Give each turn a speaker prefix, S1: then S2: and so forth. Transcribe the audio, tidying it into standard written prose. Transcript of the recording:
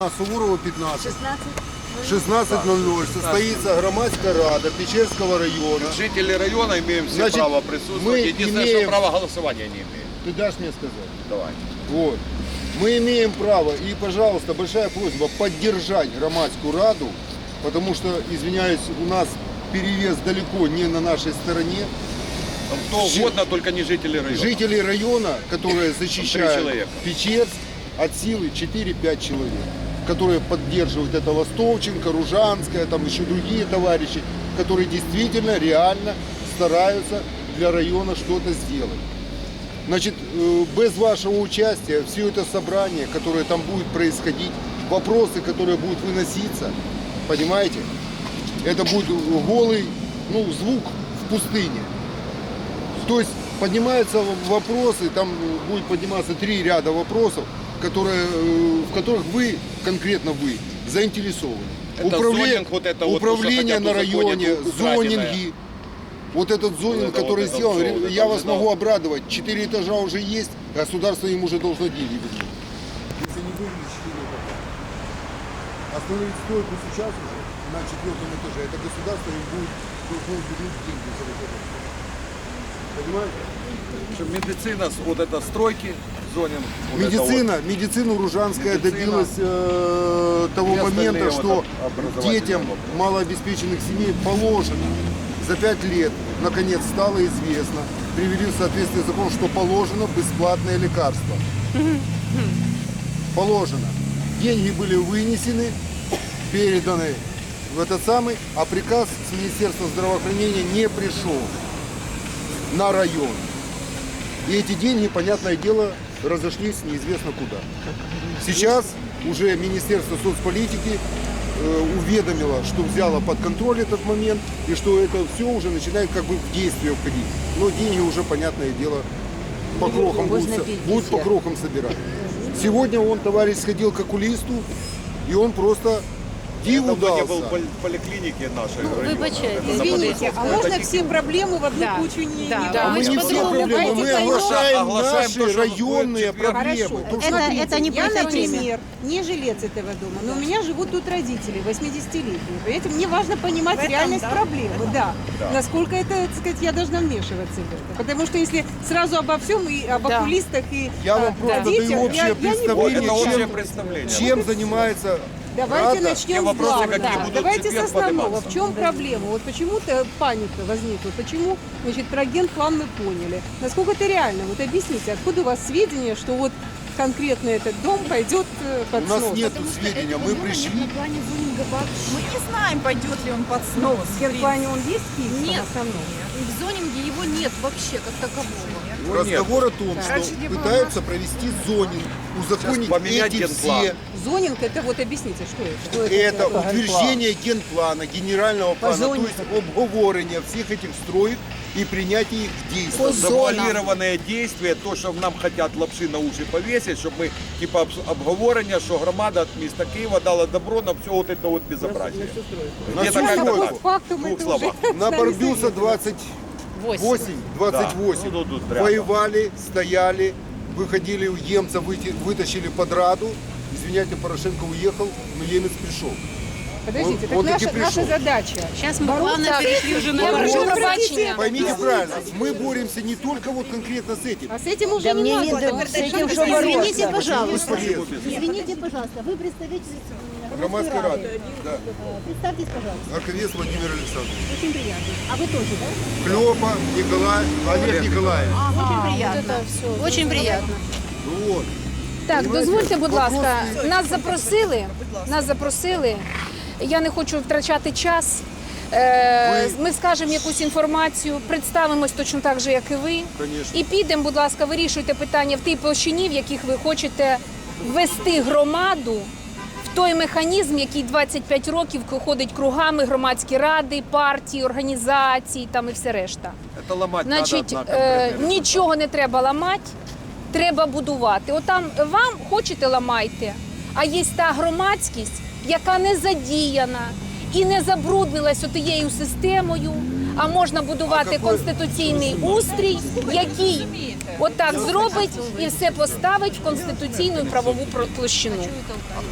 S1: Суворова 15. 16:00 состоится громадская рада Печерского района.
S2: Жители района имеем все
S1: Значит,
S2: право
S1: мы
S2: присутствовать. Единственное,
S1: имеем-
S2: что право голосования не имеем.
S1: Ты дашь мне сказать?
S2: Давай.
S1: Вот. Мы имеем право, и, пожалуйста, большая просьба поддержать громадскую раду, потому что, извиняюсь, у нас перевес далеко не на нашей стороне.
S2: Там кто угодно, только не жители района.
S1: Жители района, которые защищают
S2: человека.
S1: Печерск, от силы 4-5 человек, которые поддерживают это Ластовченко, Ружанская, там еще другие товарищи, которые действительно, реально стараются для района что-то сделать. Значит, без вашего участия все это собрание, которое там будет происходить, вопросы, которые будут выноситься, понимаете, это будет голый, звук в пустыне. То есть поднимаются вопросы, там будет подниматься 3 ряда вопросов, в которых вы, конкретно вы, заинтересованы.
S2: Это зонинг, вот это вот,
S1: управление
S2: что
S1: на
S2: хотят
S1: районе,
S2: узаконить, украденное.
S1: зонинги. Вот этот зонинг,
S2: Вот это
S1: который
S2: вот это
S1: сделан,
S2: всё, вот
S1: я
S2: это
S1: вас
S2: вот
S1: могу
S2: это.
S1: обрадовать. 4 этажа уже есть, государство им уже должно деньги вернуть. Если не вывели 4 этажа. Остановить стройку сейчас уже на 4-м этаже, это государство им будет должно вернуть деньги за вот это. Понимаете?
S2: Что медицина, вот это стройки, зонинг. вот это вот.
S1: Медицина Ружанская
S2: Медицина.
S1: добилась того
S2: И остальные
S1: момента,
S2: вот
S1: что
S2: образовательные
S1: детям
S2: вопросы.
S1: малообеспеченных семей положено за 5 лет, наконец, стало известно, привели в соответствие с законом, что положено бесплатное лекарство. Положено. Деньги были вынесены, переданы в этот самый, а приказ с Министерства здравоохранения не пришел на район. И эти деньги, понятное дело, разошлись неизвестно куда. Сейчас уже Министерство соцполитики уведомило, что взяло под контроль этот момент и что это все уже начинает как бы в действие входить. Но деньги уже, понятное дело, по крохам будут по крохам собирать. Сегодня товарищ сходил к окулисту, и он просто диву
S2: Давно не был
S1: дался.
S2: в поликлинике нашей.
S3: Вибачайте,
S4: Извините, а можно все проблемы в одну
S3: Да.
S4: кучу не
S3: Да.
S4: не
S3: Да.
S1: Мы
S4: брать?
S1: не все проблемы, мы оглашаем
S2: Оглашаем
S1: наши
S2: то, что
S1: районные
S2: будет в четверг.
S1: проблемы.
S4: Хорошо.
S1: То, что
S3: Это не
S4: Я,
S3: по этой теме.
S4: например, не жилец этого дома, но у меня живут тут родители, 80-летние. Поэтому мне важно понимать реальность проблемы, да. Насколько это, так сказать, я должна вмешиваться в это. Потому что если сразу обо всем, и об
S3: Да.
S4: окулистах, и
S1: Я вам
S4: о
S1: просто
S4: детях,
S1: даю общее
S4: я не
S1: представление,
S4: буду.
S2: Это общее
S1: чем-
S2: представление.
S1: чем занимается
S4: Давайте
S1: Рада.
S4: начнем
S2: Те
S4: с
S2: вопросы,
S4: главного.
S2: какие будут в
S4: Давайте с
S2: четверг
S4: основного.
S2: подниматься.
S4: В чем проблема? Вот почему-то паника возникла. Почему, про генплан мы поняли. Насколько это реально? Вот объясните, откуда у вас сведения, что вот конкретно этот дом пойдет под
S1: У нас
S4: снос?
S1: нет сведения, мы пришли.
S5: Мы не знаем, пойдет ли он под снос.
S4: В генплане он есть в Киевском
S5: Нет.
S4: основном?
S5: В зонинге его нет вообще как такового.
S1: Разговор о том,
S5: Раньше
S1: что
S5: не было
S1: пытаются провести зонинг, узаконить
S2: Сейчас поменять
S1: эти
S2: генплан.
S1: все.
S4: Зонинг, это вот объясните, что это?
S1: Это утверждение генплана, генерального плана, то
S4: зонингу.
S1: есть обговорение всех этих строек и принятие их в действие.
S2: Завуалированное действие, то, що нам хотят лапши на уші повесить, щоб ми, типа, обговорення, що громада міста Києва дала добро на все вот это вот безобразие.
S1: На
S2: Где-то
S1: всю
S2: как-то
S1: стройку.
S2: так.
S4: По факту
S2: В
S4: мы
S2: двух
S4: это
S2: словах.
S4: уже
S1: На
S4: знали
S1: Барбюса
S4: сами.
S1: 28,
S2: Да. Ну, тут рядом.
S1: воевали, стояли, выходили у емца, вытащили под Раду. Извиняйте, Порошенко уехал, но емец пришел.
S4: Подождите,
S1: Он
S4: так
S1: таки
S4: наша
S1: пришел.
S4: задача.
S3: Сейчас ми
S4: Бороться
S3: плавно перейшли вже на
S4: Я прошу
S3: Барбюса.
S4: пробачення.
S1: Поймите правильно, мы боремся не только вот конкретно с этим.
S4: А с этим уже не надо.
S3: с этим что бороться? Извините, пожалуйста.
S1: Бесполезно.
S6: Извините, пожалуйста, вы представитель
S1: Громадской рады. Да.
S6: Представьтесь, пожалуйста.
S1: Арковец Владимир Александрович.
S6: Очень приятно. А вы тоже, да?
S1: Клёпа, Николай, Олег Николаевич.
S6: Очень приятно.
S3: Очень приємно.
S1: Ну вот.
S7: Так, дозвольте, будь
S1: Вопрос
S7: ласка,
S1: стоїть.
S7: нас запросили. Я не хочу втрачати час. Ми скажемо якусь інформацію, представимось точно так же, як і ви.
S1: Конечно.
S7: І підемо, будь ласка, вирішуйте питання в тій площині, в яких ви хочете ввести громаду в той механізм, який 25 років ходить кругами, громадські ради, партії, організації там і все решта.
S2: Это ломать
S7: Значить,
S2: надо на конкретные
S7: нічого не треба ламати, треба будувати. Отам вам хочете ламайте, а є та громадськість, яка не задіяна і не забруднилась отією системою, а можна будувати конституційний устрій, який отак зробить і все поставить в конституційну і правову площину.